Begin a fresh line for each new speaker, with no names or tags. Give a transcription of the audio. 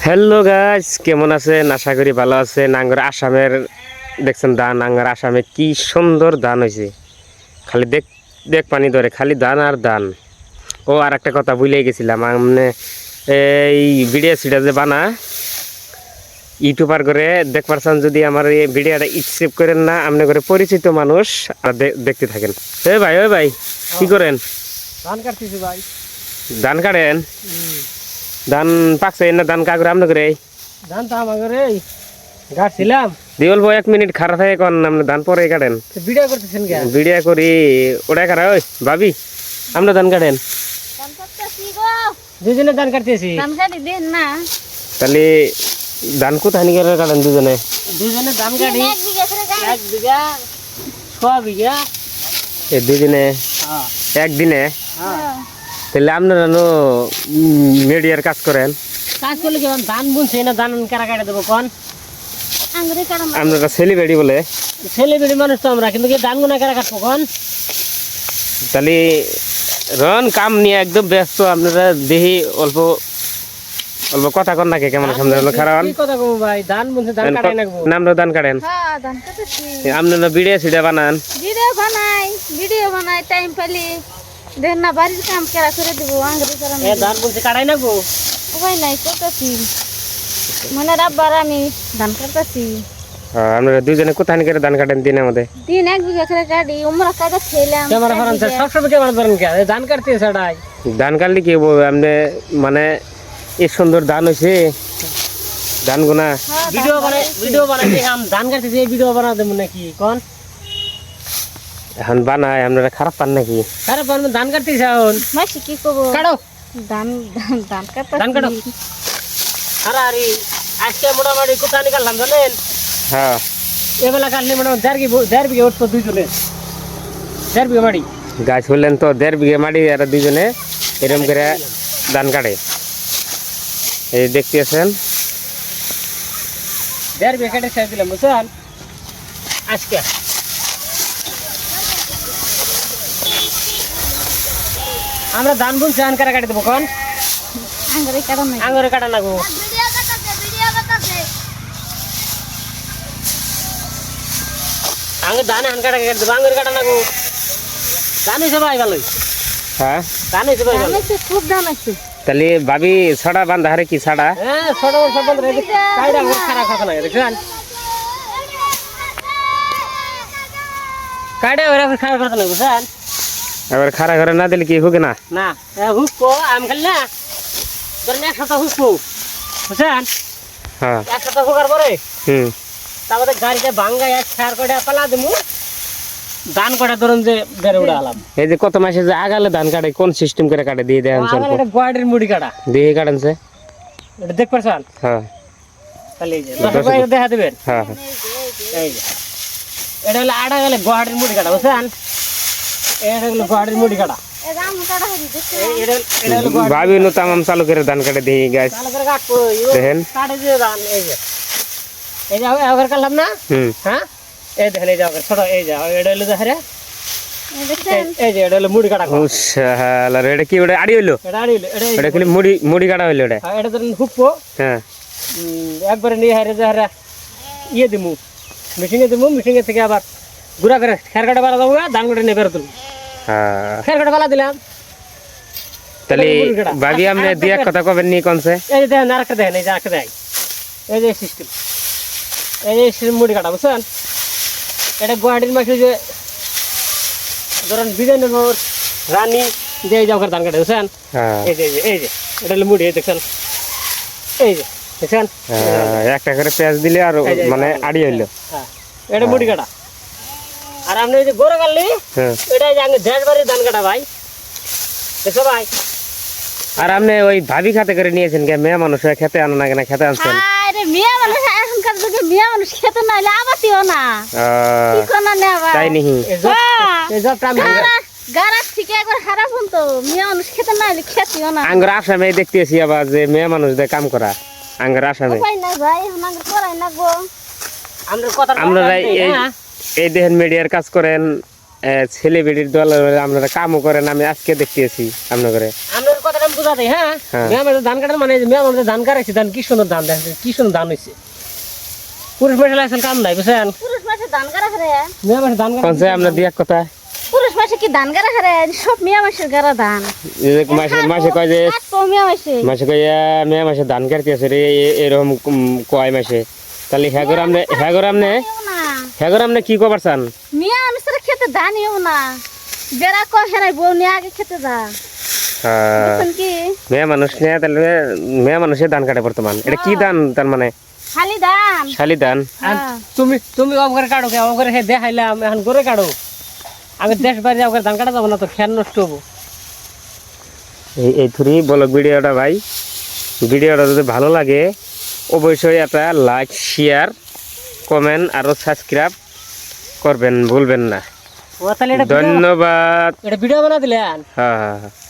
Hello guys, কেমন আছেন? আশা করি ভালো আছেন। আঙ্গুর আসামের দেখছেন ধান, আঙ্গুর আসামে কি সুন্দর ধান হয়েছে। খালি দেখ দেখ পানি ধরে, খালি ধান আর ধান। ও আর একটা কথা ভুলে গেছিলাম, মানে এই ভিডিও সিডিও যে বানা ইউটিউবার করে দেখ পারছেন, যদি আমার এই ভিডিওটা একসেপ্ট করেন না, আপনি করে পরিচিত মানুষ আর দেখতে থাকেন। ওই ভাই কি করেন?
ধান কাটতেছি ভাই।
ধান কাটেন? ধান পাকছে না? ধান কাগরে আপনি করে?
ধান তো আমাকে কাটছিলাম।
দিওল ভাই 1 মিনিট খারাপ থাকে কোন, আপনি ধান পরে কাটেন?
ভিডিও করতেছেন কেন?
ভিডিও করি ওটা কাটা। ওই ভাবি, আপনি ধান কাটেন?
দুজনে ধান কাটতেছি।
তাহলে ধান কোথায় নিয়ে কাটেন দুজনে?
দুজনে ধান কাটি 1 বিঘা 6 বিঘা
এই দুজনে একদিনে? তাহলে আপনারা মিডিয়ার কাজ করেন?
কাজ করলে কেমন ধান বুনছে না? ধান কারা কাটে দেবো কোন?
আপনারা সেলিব্রিটি বলে?
সেলিব্রিটি মানুষ তো আমরা, কিন্তু ধান গুনা কারা কাটবো কোন?
তাহলে রন কাম নিয়ে একদম ব্যস্ত আপনারা, দেখি অল্প অল্প কথা কন নাকি? কেমন সামনে খারাপ
কথা কব ভাই? ধান বুনছে, ধান কাটাই নাকবো।
নামরা ধান কাটেন? আপনারা ভিডিও সিডিও বানান?
ভিডিও বানাই টাইম পেলে দেন না, বাড়ির কাম কেরা করে দেবো।
ধান বুনছে কাটাই নাকবো,
উপায় নাই, করতেছি। মানে রাব্বার আমি ধান কাটতেছি।
আপনারা দুজনে কোথায় নিয়ে ধান কাটেন দিনের মধ্যে?
দিন 1 বিঘা করে কাটি, উমরা কাটা খেলাম।
ক্যামেরা ফারান সবসময় ক্যামেরা ধরেন কে? ধান কাটতে ছাড়াই
ধান কাটলে কি বলবো আপনি, মানে এই সুন্দর ধান হয়েছে ধান গুনা
ভিডিও বানাই ধান কাটতে ভিডিও বানা দেবো নাকি কোন?
এখন বানায়, আপনারা খারাপ পান নাকি?
খারাপ পান? ধান কাটতে এখন
মাসি কি করবো?
কাটো
ধান ধান কাটতে
ধান কাটো। আরে আজকে মোটামুটি কোথায় নিকালাম জানেন?
হ্যাঁ,
এবেলা কাটলে মোটামুটি 1.5 বিঘা উঠতো দুইজনে। 1.5 বিঘা মাটি
গাছ হলেন তো 1.5 বিঘা মাটি, আর দুজনে এরকম করে ধান কাটে। এই দেখতে আছেন
1.5 বিঘা কেটে ছেড়ে দিলাম বুঝছেন। আজকে আমরা ধান বুনছি, ধান কাটা কাটি দেবো কোন?
আঙ্গুরে কাটা নাই।
আঙুরে কাটা নাগবো। আঙুর ধান হান কাটা কেটে দেবো, আঙুরে কাটা নাগবো। ধান হয়েছে ভাই ভালোই।
হ্যাঁ,
ধান হয়েছে ভাই ভালো।
খুব ধান আছে।
তাহলে ভাবি ছড়া বান্ধা হারে কি ছাড়া?
হ্যাঁ, ছোট বড় সব বন্ধ রেখে কাইডা খারাপ খাতা লাগে দেখছেন। কাইডা ওরা খারাপ খাতা লাগে বুঝছেন।
এবার খাড়া ঘরে না দিলে কি হোকে না?
না হুকো আম খালি না, ধরেন 1 সপ্তাহ হুকো বুঝছেন।
হ্যাঁ,
1 সপ্তাহ হুকার পরে
তারপরে
গাড়িতে ভাঙ্গাই এক সার করে পালা দেবো, ধান কটা ধরুন যে বেড়ে উড়ে আলাম।
এই যে কত মাসে যে আগালে ধান কাটে, কোন সিস্টেম করে কাটে দিয়ে দেন?
এটা গোয়াটির মুড়ি কাটা
দিয়ে কাটেন সে?
এটা দেখ পারছেন?
হ্যাঁ,
তাহলে এই যে দেখা দেবেন।
হ্যাঁ,
এই যে এটা হলো আড়া গেলে গোয়াটির মুড়ি কাটা বুঝছেন। এটা হলো গোয়াটির মুড়ি কাটা।
ভাবি নো তামাম চালু করে ধান কাটে দিয়ে গাছ দেখেন।
কাটে যে ধান এই যে এবার কাটলাম না। হ্যাঁ, এই দেখেন, এই যে ছোট, এই যে এটা হলো দেখে এই যে এটা হলো মুড়ি কাটা।
এটা কি ওটা আড়ি হইলো?
এটা আড়ি হলো,
এটা খালি মুড়ি কাটা হইলো এটা?
এটা ধরেন হুকবো।
হ্যাঁ,
একবারে নিয়ে হারে যে হারে ইয়ে দিমু, মেশিনে থেকে আবার গুড়া করে খের কাটা বালা দেবো, ধান কাটা নিয়ে বেরো তুলবো। খের কাটা বালা দিলাম।
তাহলে ভাবি আপনি দিয়ে কথা কবেন নি কোনছে?
এই যে দেখেন আরেকটা দেখেন, এই যে আরেকটা দেখেন, এই যে সিস্টেম, এই যে মুড়ি কাটা বুঝছেন। এটা গুয়াহাটির মাসে যে ধরেন বিজয়নগর রানী যে এই যাওয়ার ধান কাটে বুঝছেন। এই যে এটা হলো মুড়ি, দেখছেন এই যে দেখছেন।
একটা করে পেঁয়াজ দিলে আর মানে আড়ি হইলো।
হ্যাঁ, এটা মুড়ি কাটা। আর আপনি এই যে গোড়া কাটলি, এটা যে আগে দেশ বাড়ির ধান কাটা ভাই, দেখছো ভাই।
আর আপনি ওই ভাবি খাতে করে নিয়েছেন কে? মেয়ে মানুষ খেতে আনো না কেন? খেতে আনছেন?
আরে মেয়ে মানুষ এখনকার যুগে মেয়ে মানুষ খেতে না হলে আবাতিও না। কি কোনা নেবা?
তাই নিহি
এই জবটা আমি
গারাত থেকে একবার খারাপ হতো, মেয়ে মানুষ খেতে না হলে খেতিও না।
আঙ্গুর আসামে দেখতেছি আবার যে মেয়ে মানুষ দিয়ে কাম করা আঙ্গুর আসামে।
উপায় নাই ভাই, এখন আঙ্গুর করাই না গো।
আপনারা এই দেখেন মিডিয়ার কাজ করেন, ছেলেবেড়ির দল আপনারা কামও করেন। আমি আজকে দেখতেছি আপনার করে
কথাটা আমি বুঝা দেই হ্যাঁ
হ্যাঁ।
মেয়া মানুষ ধান কাটার মানে মেয়া মানুষ ধান কাটাইছে ধান কি সুন্দর ধান দেখেন কি সুন্দর ধান হয়েছে পুরুষ মাসে লাগছেন কাম নাই বুঝছেন
পুরুষ মাসে ধান গাড়া হারে
মেয়া মানুষ ধান কাটা
কোন আমরা দিয়ে এক কথা
পুরুষ মাসে কি ধান গাড়া হারে সব মিয়া মাসের গাড়া ধান
এই যে মাসে কয় যে
মিয়া মাসে
মাসে কয় মেয়ে মাসে ধান কাটতে আছে রে এরকম কয় মাসে তাহলে হ্যাগর আমনে কি কবার চান
মিয়া মানুষের খেতে ধানিও না বেড়া কয় হেরাই বউ নিয়ে আগে খেতে যা বুঝছেন কি
মেয়ে মানুষ নিয়ে তাহলে মেয়ে মানুষের ধান কাটে বর্তমান এটা কি ধান তার মানে
খালি ধান
শালি ধান
আর তুমি অবঘরে কাটো কে অবঘরে হে দেখাইলাম এখন করে কাটো আমি দেশ বাইরে অবঘরে ধান কাটা যাবো না তো খেয়াল নষ্ট হবো
এই থুরি ব্লগ ভিডিওটা ভাই ভিডিওটা যদি ভালো লাগে অবশ্যই একটা লাইক শেয়ার কমেন্ট আর সাবস্ক্রাইব করবেন ভুলবেন না
ও তাহলে এটা
ধন্যবাদ
ভিডিও বানা দিলেন
হ্যাঁ হ্যাঁ হ্যাঁ